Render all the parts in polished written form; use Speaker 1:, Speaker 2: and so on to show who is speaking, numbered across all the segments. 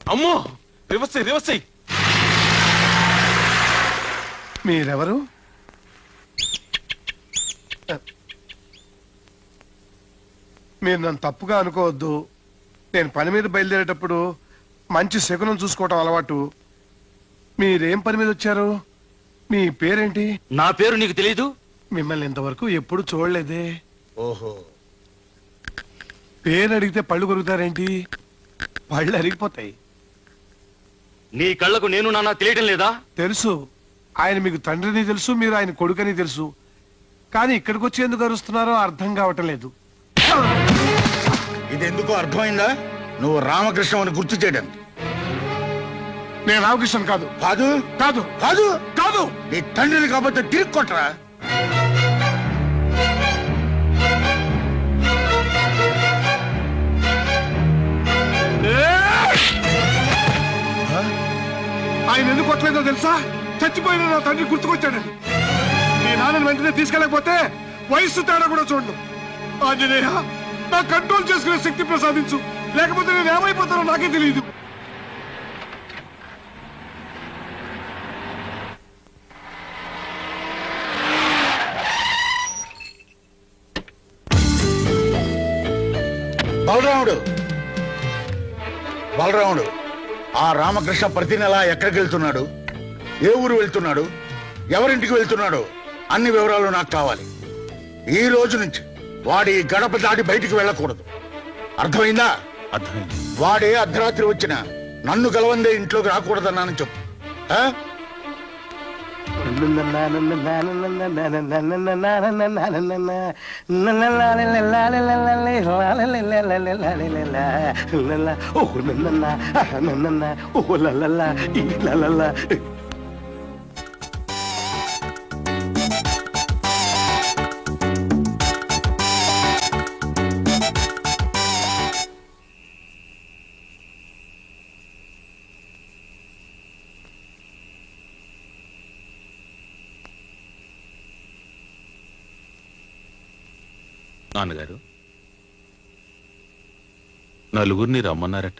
Speaker 1: అమ్మో రివర్స్
Speaker 2: మీరెవరు? మీరు నన్ను తప్పుగా అనుకోవద్దు. నేను పని మీద బయలుదేరేటప్పుడు మంచి శకునం చూసుకోవటం అలవాటు. మీరేం పని మీద వచ్చారు? మీ పేరేంటి?
Speaker 1: నా పేరు నీకు తెలీదు?
Speaker 2: మిమ్మల్ని ఇంతవరకు ఎప్పుడు చూడలేదే.
Speaker 3: ఓహో,
Speaker 2: పేరు అడిగితే పళ్ళు కొరుకుతారేంటి? పళ్ళు అరిగిపోతాయి.
Speaker 1: నీ కళ్ళకు నేను నాన్న తెలియటం లేదా?
Speaker 2: తెలుసు. ఆయన మీకు తండ్రిని తెలుసు, మీరు ఆయన కొడుకని తెలుసు. కానీ ఇక్కడికి వచ్చి ఎందుకు అరుస్తున్నారో అర్థం కావటం లేదు.
Speaker 3: ఇది ఎందుకో అర్థమైందా? నువ్వు రామకృష్ణ అని గుర్తు చేయడానికి.
Speaker 2: నేను రామకృష్ణ కాదు.
Speaker 3: కాదు
Speaker 2: కాదు
Speaker 3: కాదు
Speaker 2: కాదు.
Speaker 3: నీ తండ్రిని కాబట్టి తిరిగి కొట్టరా.
Speaker 2: ఆయన ఎందుకు కొట్టలేదో తెలుసా? చచ్చిపోయిన నా తండ్రి గుర్తుకొచ్చాడని. మీ నాన్నని వెంటనే తీసుకెళ్ళకపోతే వయస్సు తేడా కూడా చూడను. ఆంజనేయ, నా కంట్రోల్ చేసుకునే శక్తి ప్రసాదించు, లేకపోతే నేను ఏమైపోతానో నాకే తెలియదు.
Speaker 3: బలరాముడు ఆ రామకృష్ణ ప్రతి నెల ఎక్కడికి వెళ్తున్నాడు, ఏ ఊరు వెళ్తున్నాడు, ఎవరింటికి వెళ్తున్నాడు అన్ని వివరాలు నాకు కావాలి. ఈ రోజు నుంచి వాడి గడప దాటి బయటికి వెళ్ళకూడదు. అర్థమైందా?
Speaker 1: అర్థమైంది.
Speaker 3: వాడే అర్ధరాత్రి వచ్చిన నన్ను గలవందే ఇంట్లోకి రాకూడదన్నానని చెప్పు.
Speaker 1: నాన్నగారు నలుగురిని రమ్మన్నారట.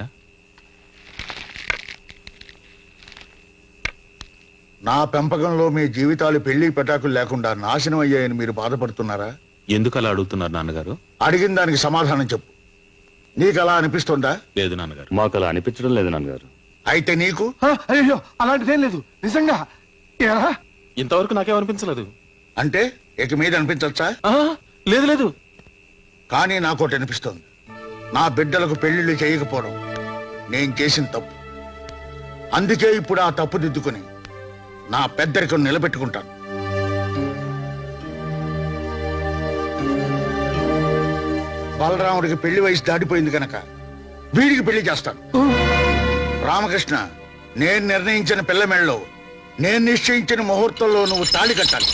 Speaker 3: నా పెంపకంలో మీ జీవితాలు పెళ్లి పెటాకులు లేకుండా నాశనం అయ్యాయని మీరు బాధపడుతున్నారా?
Speaker 1: ఎందుకు అలా అడుగుతున్నారు నాన్నగారు?
Speaker 3: అడిగిన దానికి సమాధానం చెప్పు. నీకు అలా అనిపిస్తుందా?
Speaker 1: లేదు నాన్నగారు.
Speaker 4: మాకు అలా అనిపించడం లేదు నాన్నగారు.
Speaker 3: అయితే నీకు?
Speaker 2: అయ్యో, అలాంటిదేం లేదు నిజంగా.
Speaker 1: ఇంతవరకు నాకేమనిపించలేదు.
Speaker 3: అంటే ఇక మీద అనిపించచ్చా?
Speaker 1: లేదు లేదు.
Speaker 3: కానీ నాకోటి అనిపిస్తోంది. నా బిడ్డలకు పెళ్లిళ్ళు చేయకపోవడం నేను చేసిన తప్పు. అందుకే ఇప్పుడు ఆ తప్పు దిద్దుకుని నా పెద్దరికం నిలబెట్టుకుంటాను. బలరాముడికి పెళ్లి వయసు దాటిపోయింది కనుక వీడికి పెళ్లి చేస్తాను. రామకృష్ణ, నేను నిర్ణయించిన పిల్ల మెళ్ళలో, నేను నిశ్చయించిన ముహూర్తంలో నువ్వు తాళి కట్టాలి.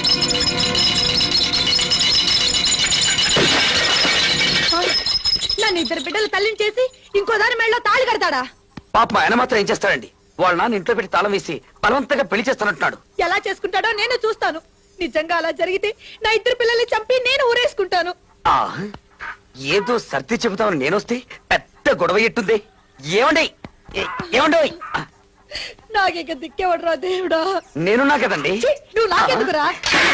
Speaker 5: నన్ను ఇద్దరు బిడ్డలు తల్లిని చేసి ఇంకో దాని మెళ్ళలో తాళి కడతాడా?
Speaker 6: పాప ఆయన మాత్రం ఏం చేస్తాడండి? వాళ్ళ నాన్న ఇంట్లో పెట్టి తాళం వేసి బలవంతంగా పెళ్లి చేస్తానంటున్నాడు.
Speaker 5: ఎలా చేసుకుంటాడో నేను చూస్తాను. నిజంగా అలా జరిగితే నా ఇద్దరు పిల్లల్ని చంపి నేను ఊరేసుకుంటాను.
Speaker 6: ఏదో సర్ది చెబుతామని నేనొస్తే పెద్ద గొడవ ఎట్టుంది. ఏమండి ఏమండి?
Speaker 5: నాకిక దిక్కేవడరా దేవుడా.
Speaker 6: నేనున్నా కదండి.
Speaker 5: నువ్వు నాకెందుకురా?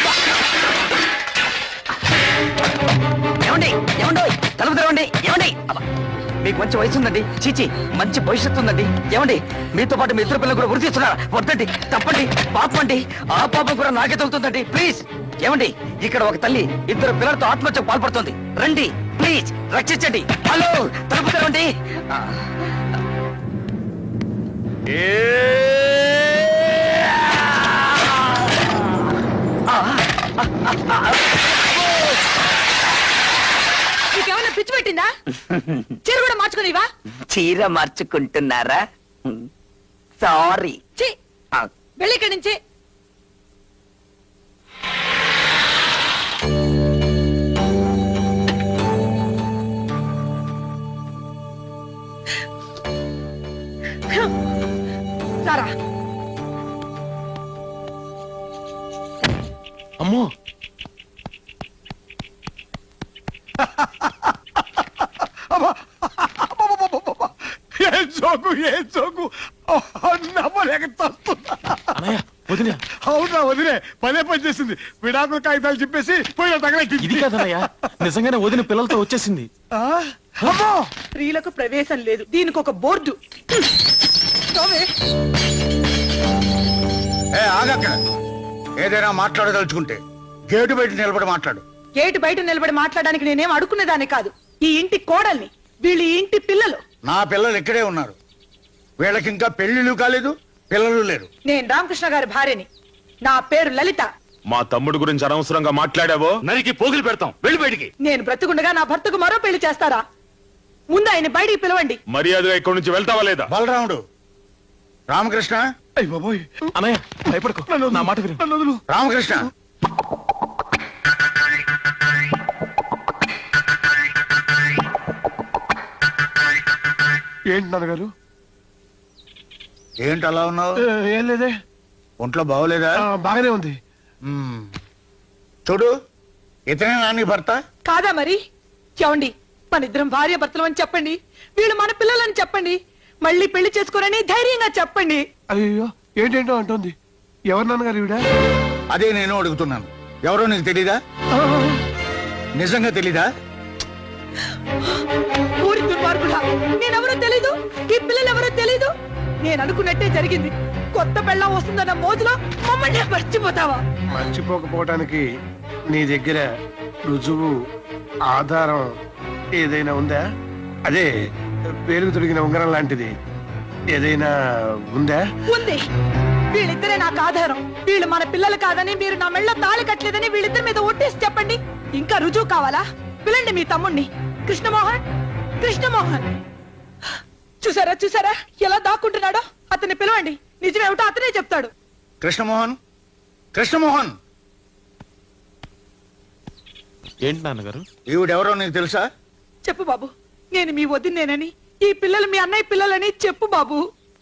Speaker 6: ఏమండి ఏమండో తలుపు తెరవండి. ఏమండి, మీకు మంచి వయసు ఉందండి, చీచి మంచి భవిష్యత్తు ఉందండి. ఏమండి, మీతో పాటు మీ ఇద్దరు పిల్లలు కూడా వృద్ధి ఇస్తున్నారా? వద్దండి, తప్పండి, పాపం అండి. ఆ పాపం కూడా నాకే తగులుతుందండి. ప్లీజ్ ఏమండి, ఇక్కడ ఒక తల్లి ఇద్దరు పిల్లలతో ఆత్మహత్యకు పాల్పడుతుంది. రండి ప్లీజ్, రక్షించండి. హలో, తలుపు తెరవండి.
Speaker 5: నీకేమన్నా పిచ్చి పెట్టిందా? చీర కూడా మార్చుకునివా?
Speaker 6: చీర మార్చుకుంటున్నారా? సారీ.
Speaker 5: వెళ్ళి ఇక్కడి నుంచి. సారా
Speaker 1: అమ్మో,
Speaker 2: ఏం ఏం జోకు నమ్మలేక తస్తున్నా.
Speaker 4: అన్నయ్య వదిన
Speaker 2: అవునా వదిలే పదే పని చేసింది. విడాకుల కాగితాలు చెప్పేసి పోయిన
Speaker 4: ఇది
Speaker 2: తగలెట్టింది.
Speaker 4: కాదన్నయ్య నిజంగానే వదిన పిల్లలతో వచ్చేసింది.
Speaker 2: ఆ? అమ్మో
Speaker 5: స్త్రీలకు ప్రవేశం లేదు, దీనికి ఒక బోర్డు. రావే.
Speaker 3: ఆగక్కడ ఏదైనా మాట్లాడదలుచుకుంటే గేటు బయట నిలబడి మాట్లాడు.
Speaker 5: గేటు బయట నిలబడి మాట్లాడడానికి నేనేం అడుక్కునేదాన్ని కాదు. ఈ ఇంటి కోడల్ని, వీళ్ళు ఈ ఇంటి పిల్లలు.
Speaker 3: నా పిల్లలు ఇక్కడే ఉన్నారు. వీళ్ళకి ఇంకా పెళ్లిళ్ళు కాలేదు, పిల్లలు లేరు.
Speaker 5: నేను రామకృష్ణ గారి భార్యని. నా పేరు లలిత.
Speaker 1: మా తమ్ముడు గురించి అనవసరంగా మాట్లాడావో నరికి పోగులు పెడతాం. వెళ్ళి బయటికి.
Speaker 5: నేను బ్రతుకుండగా నా భర్తకు మరో పెళ్లి చేస్తారా? ముందు ఆయన బయటికి పిలవండి.
Speaker 1: మర్యాదగా ఇక్కడి నుంచి వెళ్తావా లేదా?
Speaker 3: బలరాముడు, రామకృష్ణ,
Speaker 2: అయ్య బాబోయ్
Speaker 4: అన్నయ్య భయపడకు, నా మాట విను.
Speaker 2: నన్ను వదులు.
Speaker 3: రామకృష్ణ.
Speaker 2: ఏంటి నాన్నగారు?
Speaker 3: ఏంటి అలా ఉన్నావు?
Speaker 2: ఏం లేదే.
Speaker 3: ఒంట్లో బాగోలేదా?
Speaker 2: బాగానే ఉంది.
Speaker 3: మ్మ్. చూడు, ఇతనే నాని భర్త.
Speaker 5: కాదా మరి? చెవండి, మన ఇద్దరం భార్య భర్తలు అని చెప్పండి. వీళ్ళు మన పిల్లలని చెప్పండి. మళ్ళీ పెళ్లి చేసుకోరని ధైర్యంగా చెప్పండి.
Speaker 2: అయ్యో ఏంటేంటో అంటుంది. ఎవరు నాన్నగారు ఈవిడ?
Speaker 3: అదే నేను అడుగుతున్నాను. ఎవరో నీకు తెలీదా? నిజంగా తెలీదా?
Speaker 5: ఊరి దుర్మార్గుడా, నేనెవరో తెలీదు, ఈ పిల్లలెవరో తెలీదు. నేను అనుకున్నట్టే జరిగింది. కొత్త పెళ్ళం వస్తుందన్న మోజులో మమ్మల్ని మర్చిపోతావా?
Speaker 2: మర్చిపోకపోవటానికి నీ దగ్గర రుజువు, ఆధారం ఏదైనా ఉందా? అదే పేరుకు తొడిగిన ఉంగరం లాంటిది ఏదైనా ఉందా?
Speaker 5: ఉంది. వీళ్ళిద్దరే నాకు ఆధారం. వీళ్ళు మన పిల్లలు కాదని, మీరు నా మెళ్ళ తాళి కట్టలేదని వీళ్ళిద్దరి మీద ఒట్టేసి చెప్పండి. ఇంకా రుజువు కావాలా? పిలండి మీ తమ్ముణ్ణి, కృష్ణమోహన్. కృష్ణమోహన్ చూసారా చూసారా ఎలా దాక్కుంటున్నాడో? అతన్ని పిలవండి. నిజమేమిటో అతనే చెప్తాడు.
Speaker 3: కృష్ణమోహన్, కృష్ణమోహన్.
Speaker 4: ఏంటి నాన్నగారు?
Speaker 3: ఈవిడెవరో నీకు తెలుసా?
Speaker 5: చెప్పు బాబు, నేను మీ వదినేనని, ఈ పిల్లలు మీ అన్నయ్య పిల్లలని చెప్పు బాబు.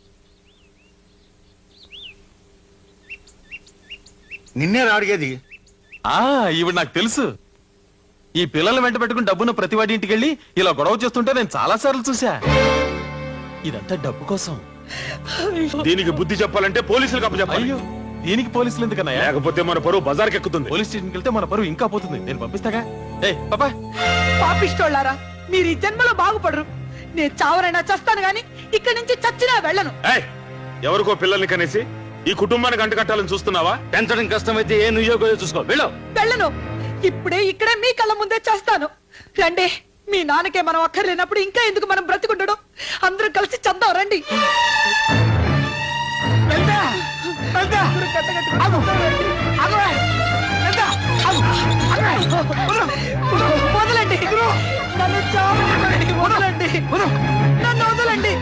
Speaker 3: నిన్నే అడిగేది.
Speaker 4: ఈవిడ నాకు తెలుసు. ఈ పిల్లలు వెంట పెట్టుకుని డబ్బున్న ప్రతివాడి ఇంటికి వెళ్ళి ఇలా గొడవ చేస్తుంటే నేను చాలా సార్లు చూసా. ఇదంతా డబ్బు కోసం.
Speaker 1: దీనికి బుద్ధి చెప్పాలంటే పోలీసులకు అప్పచెప్పాలి.
Speaker 4: అయ్యో, దీనికి పోలీసులు ఎందుకన్నాయా?
Speaker 1: లేకపోతే మన పరువు బజార్కి ఎక్కుతుంది.
Speaker 4: పోలీస్ స్టేషన్కి వెళ్తే మన పరువు ఇంకా పోతుంది. నేను పంపిస్తాగా. ఏ పాపా,
Speaker 5: పాపిష్టోళ్ళారా, మీరు ఈ జన్మలో బాగుపడరు. నేను చావరైనా చస్తాను గాని ఇక్కడి నుంచి చచ్చినా వెళ్ళను.
Speaker 1: ఏయ్, ఎవరికో పిల్లల్ని కనేసి ఈ కుటుంబానికి అంటకట్టాలని చూస్తున్నావా? పెంచడం కష్టమైతే ఏ నుయ్యో చూసుకో. వెళ్ళు.
Speaker 5: వెళ్ళను. ఇప్పుడే ఇక్కడే మీ కళ్ళ ముందే చేస్తాను. రండి. మీ నాన్నకే మనం అక్కర్లేనప్పుడు ఇంకా ఎందుకు మనం బ్రతికుండడం? అందరూ కలిసి చద్దాం రండి. వదలండి, నన్ను చావనివ్వండి. వదలండి, నన్ను వదలండి.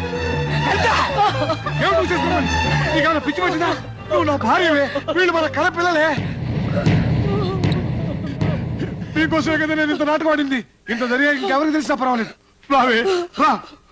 Speaker 2: నీకేమైనా పిచ్చి పట్టిందా? నువ్వు నా భార్యవే, వీళ్ళు మన కళ పిల్లలే. నీకోసమే కదా నేను ఇంత నాటకం ఆడింది. ఇంత జరిగా ఇంకెవరికి తెలిసినా పర్వాలేదు. రావే రా.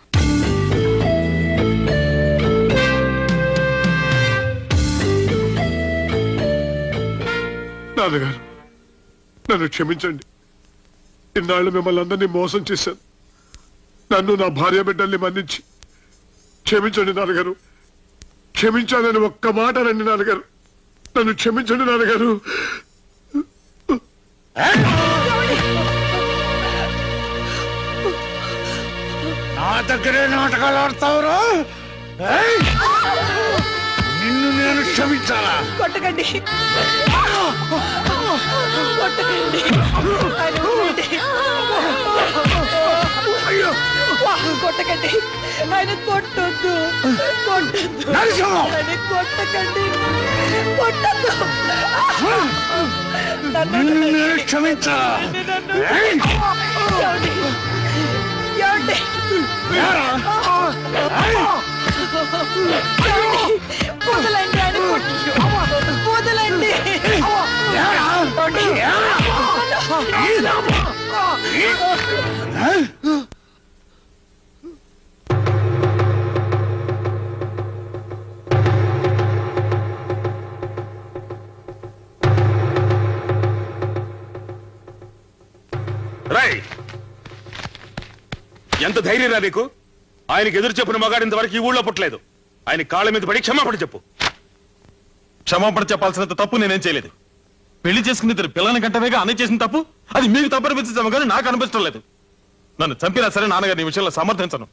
Speaker 2: నాన్నగారు, నన్ను క్షమించండి. ఇన్నాళ్ళు మిమ్మల్ని అందరినీ మోసం చేశాను. నన్ను నా భార్య బిడ్డల్ని మన్నించి క్షమించండి నాన్నగారు. క్షమించాలని ఒక్క మాట రండి నాన్నగారు. నన్ను క్షమించండి నాన్నగారు.
Speaker 3: నా దగ్గరే నాటకాలు ఆడతావురా? నిన్ను నేను క్షమించాలా?
Speaker 5: కొట్టకండి, కొట్టకండి. ఆయన ఊరండి. కొట్టకండి, ఆయన కొట్టొద్దు, కొట్టొద్దు, ఆయన కొట్టకండి, కొట్టొద్దు.
Speaker 3: నిన్ను నేను క్షమించాలా?
Speaker 5: ఏమండి? ఏమండి? వదలండి, ఆయన వదలండి.
Speaker 1: రై, ఎంత ధైర్యం రా నీకు? ఆయనకి ఎదురు చెప్పిన మగాడు ఇంతవరకు ఈ ఊళ్ళో పుట్టలేదు. ఆయన కాళ్ళ మీద పడి క్షమాపణ చెప్పు.
Speaker 4: క్షమాపణ చెప్పాల్సినంత తప్పు నేనేం చేయలేదు. పెళ్లి చేసుకుని ఇద్దరు పిల్లని గంటవేగా అన్నయ్య చేసిన తప్పు అది మీకు తప్పు అనిపించడం కానీ నాకు అనిపించడం లేదు. నన్ను చంపినా సరే నాన్నగారి ఈ విషయంలో సమర్థించను.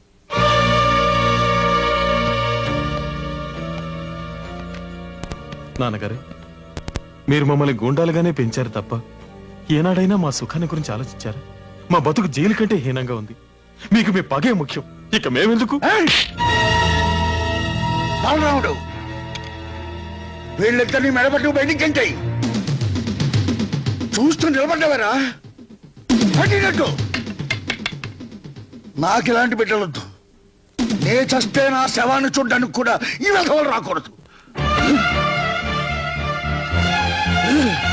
Speaker 4: నాన్నగారు, మీరు మమ్మల్ని గూండాలుగానే పెంచారు తప్ప ఏనాడైనా మా సుఖాన్ని గురించి ఆలోచించారు? మా బతుకు జైలు కంటే హీనంగా ఉంది. మీకు మీ పగే ముఖ్యం, ఇక మేమెందుకు?
Speaker 3: బాలరాముడు, వీళ్ళిద్దరిని మెడబట్టు బయటికి ఎంటాయి. చూస్తూ నిలబడ్డావరా? పట్టినట్టు నాకు ఇలాంటి బిడ్డలొద్దు. నే చస్తే నా శవాన్ని చూడ్డానికి కూడా ఈ విధవలు రాకూడదు.